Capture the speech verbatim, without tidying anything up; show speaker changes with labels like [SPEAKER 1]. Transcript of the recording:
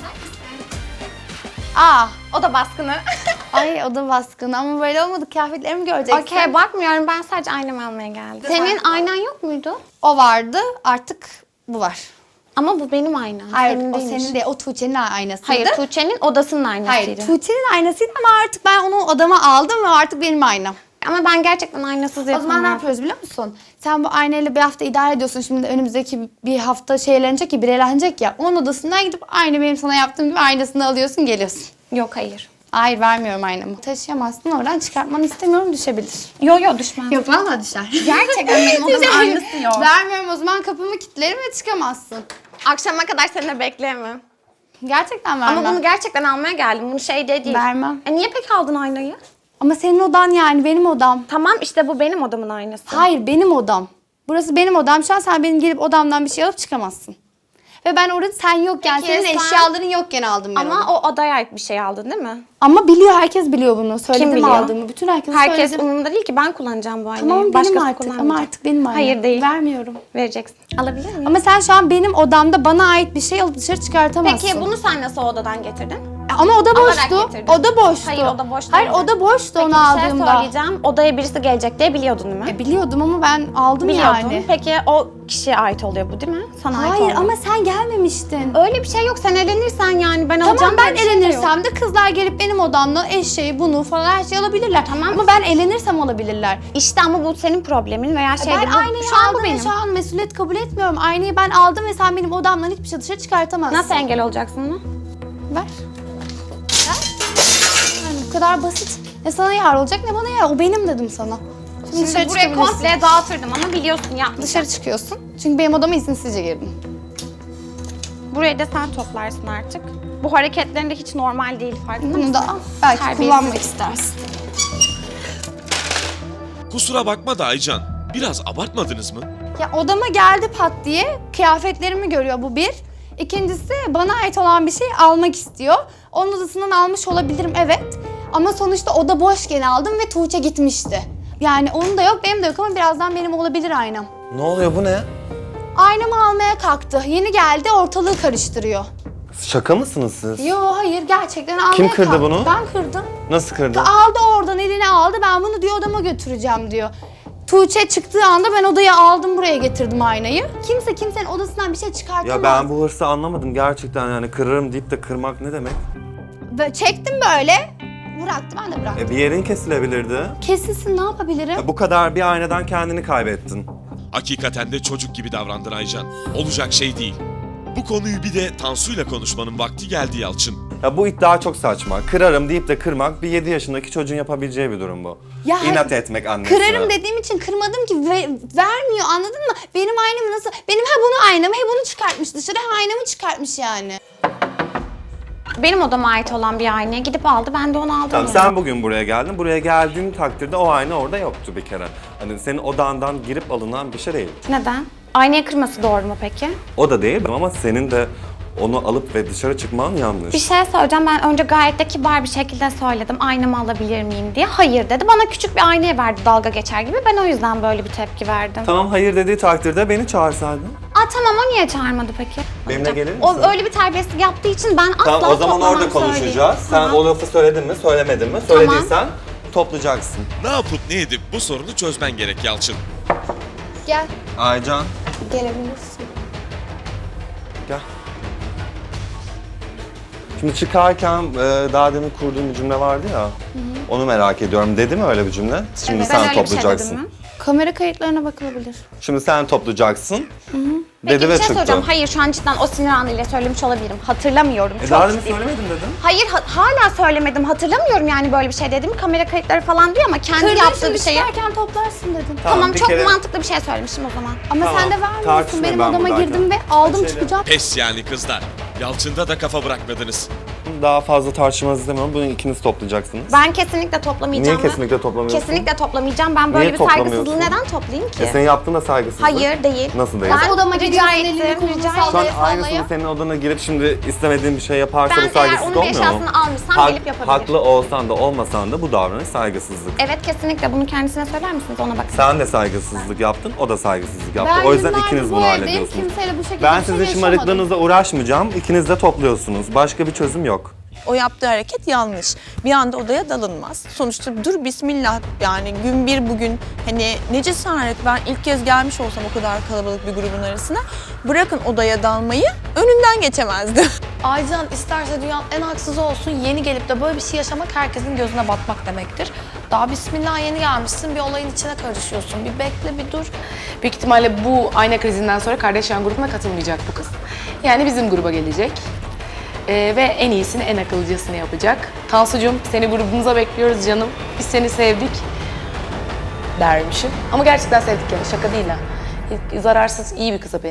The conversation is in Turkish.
[SPEAKER 1] Aa, o da baskını.
[SPEAKER 2] Ay o da baskın ama böyle olmadı. Kıyafetlerimi göreceksin.
[SPEAKER 1] Okey, bakmıyorum. Ben sadece aynamı almaya geldim. Senin aynan yok muydu?
[SPEAKER 2] O vardı, artık bu var.
[SPEAKER 1] Ama bu benim aynam.
[SPEAKER 2] Hayır,
[SPEAKER 1] senin
[SPEAKER 2] o
[SPEAKER 1] değilmiş.
[SPEAKER 2] senin değil. O Tuğçe'nin aynasıydı.
[SPEAKER 1] Hayır, Tuğçe'nin odasının aynasıydı.
[SPEAKER 2] Hayır, Tuğçe'nin aynasıydı ama artık ben onu odama aldım ve artık benim aynam.
[SPEAKER 1] Ama ben gerçekten aynasız
[SPEAKER 2] O
[SPEAKER 1] yapamam.
[SPEAKER 2] zaman ne yapıyoruz biliyor musun? Sen bu aynayla bir hafta idare ediyorsun. Şimdi önümüzdeki bir hafta şeylenecek ya, bir eğlenecek ya. Onun odasından gidip aynı benim sana yaptığım gibi aynasını alıyorsun, geliyorsun.
[SPEAKER 1] Yok, hayır.
[SPEAKER 2] Hayır, vermiyorum aynamı. Taşıyamazsın, oradan çıkartmanı istemiyorum, düşebilir.
[SPEAKER 1] Yok yok, düşmez.
[SPEAKER 2] Yok, valla düşer.
[SPEAKER 1] Gerçekten benim odamın aynası yok.
[SPEAKER 2] Vermiyorum, o zaman kapımı kilitlerim ve çıkamazsın.
[SPEAKER 1] Akşama kadar seninle bekleyemem.
[SPEAKER 2] Gerçekten vermem.
[SPEAKER 1] Ama bunu gerçekten almaya geldim. Bunu şey de değil.
[SPEAKER 2] Vermem.
[SPEAKER 1] E niye peki aldın aynayı?
[SPEAKER 2] Ama senin odan yani, benim odam.
[SPEAKER 1] Tamam işte bu benim odamın aynası.
[SPEAKER 2] Hayır, benim odam. Burası benim odam. Şu an sen benim gelip odamdan bir şey alıp çıkamazsın. Ve ben orada sen yokken,
[SPEAKER 1] Peki,
[SPEAKER 2] senin
[SPEAKER 1] sen-
[SPEAKER 2] eşyaların yokken aldım ben
[SPEAKER 1] Ama
[SPEAKER 2] onu.
[SPEAKER 1] o odaya ait bir şey aldın değil mi?
[SPEAKER 2] Ama biliyor, herkes biliyor bunu. Söyledim
[SPEAKER 1] biliyor?
[SPEAKER 2] aldığımı. Bütün herkese
[SPEAKER 1] Herkes
[SPEAKER 2] söyledim.
[SPEAKER 1] umurumda değil ki, ben kullanacağım bu aynayı.
[SPEAKER 2] Tamam, benim
[SPEAKER 1] Başkası
[SPEAKER 2] artık ama
[SPEAKER 1] kullanmayacak.
[SPEAKER 2] artık benim aynam.
[SPEAKER 1] Hayır değil.
[SPEAKER 2] Vermiyorum.
[SPEAKER 1] Vereceksin. Alabilir miyim?
[SPEAKER 2] Ama sen şu an benim odamda bana ait bir şey alıp dışarı çıkartamazsın.
[SPEAKER 1] Peki bunu sen nasıl odadan getirdin?
[SPEAKER 2] Ama oda
[SPEAKER 1] Alarak
[SPEAKER 2] boştu.
[SPEAKER 1] getirdin.
[SPEAKER 2] Oda boştu.
[SPEAKER 1] Hayır, oda boş
[SPEAKER 2] Hayır,
[SPEAKER 1] değildi.
[SPEAKER 2] oda boştu
[SPEAKER 1] Peki
[SPEAKER 2] onu
[SPEAKER 1] bir şey
[SPEAKER 2] aldığımda.
[SPEAKER 1] söyleyeceğim. Odaya birisi gelecek diye biliyordun değil mi?
[SPEAKER 2] E, biliyordum ama ben aldım
[SPEAKER 1] Biliyordun.
[SPEAKER 2] yani.
[SPEAKER 1] Peki o kişiye ait oluyor bu değil mi? Sana ait
[SPEAKER 2] Hayır
[SPEAKER 1] olmuyor.
[SPEAKER 2] ama sen gelmemiştin.
[SPEAKER 1] Öyle bir şey yok. Sen elenirsen yani ben
[SPEAKER 2] Tamam,
[SPEAKER 1] alacağım.
[SPEAKER 2] ben
[SPEAKER 1] diye bir şey de yok.
[SPEAKER 2] elenirsem de kızlar gelip benim odamdan eşeği, bunu falan her şeyi alabilirler. Tamam. Ama ben elenirsem alabilirler.
[SPEAKER 1] İşte ama bu senin problemin veya şey
[SPEAKER 2] ben
[SPEAKER 1] değil. Bu-
[SPEAKER 2] aynayı
[SPEAKER 1] şu an
[SPEAKER 2] aldım
[SPEAKER 1] bu
[SPEAKER 2] ve
[SPEAKER 1] benim.
[SPEAKER 2] şu an mesuliyet kabul etmiyorum. Aynayı ben aldım ve sen benim odamdan hiçbir şey dışarı çıkartamazsın.
[SPEAKER 1] Nasıl engel olacaksın bunu?
[SPEAKER 2] Ver. Ver. Yani bu kadar basit. Ne sana yar olacak ne bana yar. O benim dedim sana. Şimdi, dışarı
[SPEAKER 1] Şimdi buraya
[SPEAKER 2] çıkabilirsin.
[SPEAKER 1] komple dağıtırdım ama biliyorsun yapmışım.
[SPEAKER 2] Dışarı çıkıyorsun. Çünkü benim odama izinsizce girdin.
[SPEAKER 1] Burayı da sen toplarsın artık. Bu hareketlerin de hiç normal değil, farkında
[SPEAKER 2] Bunu
[SPEAKER 1] mısın?
[SPEAKER 2] da al. Belki
[SPEAKER 1] Terbiyesiz.
[SPEAKER 2] kullanmak istersin.
[SPEAKER 3] Kusura bakma da Aycan, biraz abartmadınız mı?
[SPEAKER 2] Ya odama geldi pat diye kıyafetlerimi görüyor, bu bir. İkincisi bana ait olan bir şey almak istiyor. Onun odasından almış olabilirim, evet. Ama sonuçta oda boşken aldım ve Tuğçe gitmişti. Yani onun da yok, benim de yok ama birazdan benim olabilir aynam.
[SPEAKER 4] Ne oluyor, bu ne?
[SPEAKER 2] Aynamı almaya kalktı. Yeni geldi, ortalığı karıştırıyor.
[SPEAKER 4] Şaka mısınız siz?
[SPEAKER 2] Yo hayır, gerçekten almaya
[SPEAKER 4] Kim kırdı
[SPEAKER 2] kalktı.
[SPEAKER 4] bunu?
[SPEAKER 2] Ben kırdım.
[SPEAKER 4] Nasıl kırdı?
[SPEAKER 2] Aldı oradan, eline aldı. Ben bunu diyor odama götüreceğim diyor. Tuğçe çıktığı anda ben odaya aldım, buraya getirdim aynayı. Kimse kimsenin odasından bir şey çıkartamaz.
[SPEAKER 4] Ya ben bu hırsı anlamadım gerçekten, yani kırarım deyip de kırmak ne demek?
[SPEAKER 2] Ve çektim böyle. Bıraktı, ben de bıraktım.
[SPEAKER 4] E bir yerin kesilebilirdi.
[SPEAKER 2] Kesilsin, ne yapabilirim?
[SPEAKER 4] Ya bu kadar bir aynadan kendini kaybettin.
[SPEAKER 3] Hakikaten de çocuk gibi davrandın Aycan. Olacak şey değil. Bu konuyu bir de Tansu'yla konuşmanın vakti geldi Yalçın.
[SPEAKER 4] Ya bu iddia çok saçma. Kırarım deyip de kırmak bir yedi yaşındaki çocuğun yapabileceği bir durum bu.
[SPEAKER 2] Ya
[SPEAKER 4] İnat
[SPEAKER 2] hayır,
[SPEAKER 4] etmek annesine.
[SPEAKER 2] Kırarım dediğim için kırmadım ki, ve vermiyor, anladın mı? Benim aynamı nasıl? Benim ha bunu aynamı, he bunu çıkartmış dışarı, ha aynamı çıkartmış yani.
[SPEAKER 1] Benim odama ait olan bir aynaya gidip aldı, ben de onu aldım.
[SPEAKER 4] Tamam,
[SPEAKER 1] yani.
[SPEAKER 4] sen bugün buraya geldin. Buraya geldiğin takdirde o ayna orada yoktu bir kere. Hani senin odandan girip alınan bir şey değil.
[SPEAKER 1] Neden? Aynaya kırması doğru mu peki?
[SPEAKER 4] O da değil ama senin de onu alıp ve dışarı çıkman yanlış.
[SPEAKER 1] Bir şey söyleyeceğim. Ben önce gayet de kibar bir şekilde söyledim. Aynamı alabilir miyim diye. Hayır dedi. Bana küçük bir aynaya verdi dalga geçer gibi. Ben o yüzden böyle bir tepki verdim.
[SPEAKER 4] Tamam, hayır dediği takdirde beni çağırsaydın.
[SPEAKER 1] Aa tamam, o niye çağırmadı peki?
[SPEAKER 4] Benimle gelir misin?
[SPEAKER 1] O öyle bir terbiyesizlik yaptığı için ben asla
[SPEAKER 4] Tamam, o zaman
[SPEAKER 1] toplamam,
[SPEAKER 4] orada konuşacağız.
[SPEAKER 1] söyleyeyim.
[SPEAKER 4] Sen
[SPEAKER 1] Tamam.
[SPEAKER 4] o lafı söyledin mi, söylemedin mi? Söylediysen toplayacaksın.
[SPEAKER 3] Ne yapıp ne edip bu sorunu çözmen gerek Yalçın.
[SPEAKER 2] Gel,
[SPEAKER 4] Aycan,
[SPEAKER 2] gelebilirsin.
[SPEAKER 4] gel. Şimdi çıkarken e, daha demin kurduğum bir cümle vardı ya. Onu merak ediyorum. Dedi mi öyle bir cümle? Şimdi
[SPEAKER 1] Evet,
[SPEAKER 4] sen
[SPEAKER 1] ben öyle bir şey
[SPEAKER 4] toplayacaksın.
[SPEAKER 1] dedim mi?
[SPEAKER 2] Kamera kayıtlarına bakılabilir.
[SPEAKER 4] Şimdi sen toplayacaksın.
[SPEAKER 1] Peki
[SPEAKER 4] Dedi
[SPEAKER 1] bir
[SPEAKER 4] ve
[SPEAKER 1] şey
[SPEAKER 4] çıktı.
[SPEAKER 1] soracağım. Hayır, şu an cidden o sinir anıyla söylemiş olabilirim. Hatırlamıyorum.
[SPEAKER 4] E
[SPEAKER 1] Çok
[SPEAKER 4] daha demin
[SPEAKER 1] ciddiyim.
[SPEAKER 4] söylemedin dedim.
[SPEAKER 1] Hayır, ha- hala söylemedim. Hatırlamıyorum yani böyle bir şey dediğimi. Kamera kayıtları falan diyor ama kendi
[SPEAKER 2] Kırdın,
[SPEAKER 1] yaptığı
[SPEAKER 2] şimdi
[SPEAKER 1] bir şeyi.
[SPEAKER 2] çıkarken toplarsın dedim.
[SPEAKER 1] Tamam,
[SPEAKER 4] bir
[SPEAKER 1] çok
[SPEAKER 4] kere-
[SPEAKER 1] mantıklı bir şey söylemişim o zaman.
[SPEAKER 2] Ama
[SPEAKER 4] Tamam,
[SPEAKER 2] sen de vermiyorsun.
[SPEAKER 4] tartışmayın
[SPEAKER 2] Benim
[SPEAKER 4] ben
[SPEAKER 2] odama
[SPEAKER 4] buradayken.
[SPEAKER 2] girdim ve aldım
[SPEAKER 4] Şeyle-
[SPEAKER 2] çıkacağım.
[SPEAKER 3] Pes yani kızlar. Yalçın'da da kafa bırakmadınız.
[SPEAKER 4] daha fazla tartışmanızı istemiyorum. Bunu ikiniz toplayacaksınız.
[SPEAKER 1] Ben kesinlikle toplamayacağım.
[SPEAKER 4] Niye kesinlikle toplamıyorsun?
[SPEAKER 1] Kesinlikle toplamayacağım. Ben böyle
[SPEAKER 4] Niye
[SPEAKER 1] bir
[SPEAKER 4] toplamıyorsun?
[SPEAKER 1] saygısızlığı neden toplayayım ki?
[SPEAKER 4] E senin yaptığın da saygısızlık.
[SPEAKER 1] Hayır değil.
[SPEAKER 4] Nasıl değil?
[SPEAKER 1] Ben
[SPEAKER 2] Odama
[SPEAKER 1] rica
[SPEAKER 2] gidiyorsun, elini
[SPEAKER 1] ettim,
[SPEAKER 2] kolunu
[SPEAKER 1] rica
[SPEAKER 2] sallaya
[SPEAKER 4] Şu an
[SPEAKER 1] ettim.
[SPEAKER 2] sallaya.
[SPEAKER 4] aynısını senin odana girip şimdi istemediğin bir şey yaparsa
[SPEAKER 1] Ben
[SPEAKER 4] bu saygısızlık
[SPEAKER 1] eğer onun
[SPEAKER 4] olmuyor mu?
[SPEAKER 1] eşyasını almışsam
[SPEAKER 4] Hak-
[SPEAKER 1] gelip yapabilir.
[SPEAKER 4] Haklı olsan da olmasan da bu davranış saygısızlık.
[SPEAKER 1] Evet kesinlikle bunu kendisine söyler misiniz ona bakın.
[SPEAKER 4] Sen de saygısızlık yaptın, o da saygısızlık yaptı.
[SPEAKER 2] Ben
[SPEAKER 4] o yüzden
[SPEAKER 2] yıllardır
[SPEAKER 4] ikiniz
[SPEAKER 2] bu
[SPEAKER 4] bunu
[SPEAKER 2] evdeyim,
[SPEAKER 4] hallediyorsunuz.
[SPEAKER 2] kimseyle bu şekilde
[SPEAKER 4] Ben
[SPEAKER 2] bir şey
[SPEAKER 4] sizin
[SPEAKER 2] yaşamadım.
[SPEAKER 4] şımarıklığınıza uğraşmayacağım. İkiniz de topluyorsunuz. Başka bir çözüm yok.
[SPEAKER 5] O yaptığı hareket yanlış. Bir anda odaya dalınmaz. Sonuçta dur bismillah, yani gün bir bugün, hani ne cesaret, ben ilk kez gelmiş olsam o kadar kalabalık bir grubun arasına, bırakın odaya dalmayı, önünden geçemezdi.
[SPEAKER 6] Aycan isterse dünyanın en haksızı olsun, yeni gelip de böyle bir şey yaşamak herkesin gözüne batmak demektir. Daha bismillah yeni gelmişsin, bir olayın içine karışıyorsun. Bir bekle, bir dur.
[SPEAKER 7] Büyük ihtimalle bu ayna krizinden sonra Kardashian grubuna katılmayacak bu kız. Yani bizim gruba gelecek. Ee, ve en iyisini, en akılcısını yapacak. Tansucuğum, seni grubumuza bekliyoruz canım. Biz seni sevdik dermişim. Ama gerçekten sevdik yani, şaka değil ha. Zararsız, iyi bir kıza benziyor.